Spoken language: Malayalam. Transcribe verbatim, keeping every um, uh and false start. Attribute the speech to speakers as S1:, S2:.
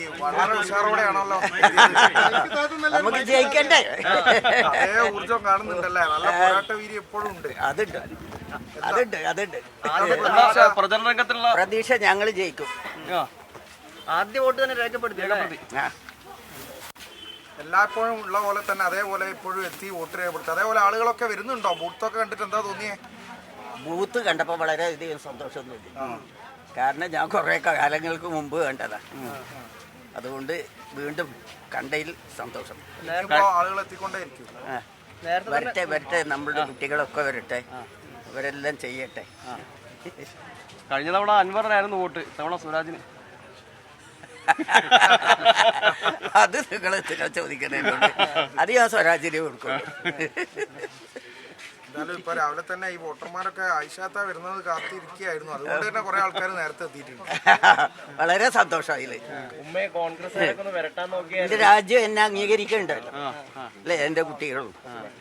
S1: വളരെ ഉഷാറോടെയാണല്ലോ
S2: നമുക്ക് ജയിക്കണ്ടേ?
S1: അതേ ഊർജം കാണുന്നുണ്ടല്ലേ? നല്ല പോരാട്ട വീര്യം എപ്പോഴും ഉണ്ട്.
S2: അതുണ്ട് അതുണ്ട് അതുണ്ട്
S3: പ്രചരണ രംഗത്തുള്ള
S2: പ്രതീക്ഷ ഞങ്ങൾ ജയിക്കും.
S3: ആദ്യ വോട്ട് തന്നെ രേഖപ്പെടുത്തി
S2: ആ
S1: എല്ലായ്പ്പോഴും ഉള്ള പോലെ തന്നെ അതേപോലെ ഇപ്പോഴും എത്തി വോട്ട് രേഖപ്പെടുത്തി. അതേപോലെ ആളുകളൊക്കെ വരുന്നുണ്ടോ? ബൂത്തൊക്കെ കണ്ടിട്ട് എന്താ തോന്നിയേ?
S2: ബൂത്ത് കണ്ടപ്പോൾ വളരെയധികം സന്തോഷമൊന്നുമില്ല. കാരണം ഞാൻ കുറേ കാലങ്ങൾക്ക് മുമ്പ് കണ്ടതാണ്. അതുകൊണ്ട് വീണ്ടും കണ്ടതിൽ സന്തോഷം.
S1: ആളുകൾ എത്തിക്കൊണ്ടേയിരിക്കും.
S2: വരട്ടെ വരട്ടെ നമ്മളുടെ കുട്ടികളൊക്കെ വരട്ടെ, അവരെല്ലാം ചെയ്യട്ടെ.
S3: കഴിഞ്ഞ തവണ അൻവറിനായിരുന്നു വോട്ട്, തവണ സ്വരാജിന്.
S2: അത് നിങ്ങൾ നിങ്ങൾ ചോദിക്കുന്നതിനോട് അത് ഞാൻ സ്വരാജിന് കൊടുക്കും.
S1: എന്തായാലും ഇപ്പൊ രാവിലെ തന്നെ ഈ വോട്ടർമാരൊക്കെ ആയിഷാത്ത വരുന്നത് കാത്തിരിക്കുകയായിരുന്നു. അതുകൊണ്ട് തന്നെ കുറെ ആൾക്കാർ നേരത്തെ എത്തിയിട്ടുണ്ട്.
S2: വളരെ സന്തോഷമായില്ലേ?
S3: ഉമ്മയെ കോൺഗ്രസ് വരട്ടാൻ നോക്കിയാൽ
S2: എന്റെ രാജ്യം എന്നെ അംഗീകരിക്കണ്ടല്ലോ അല്ലേ? എന്റെ കുട്ടികളും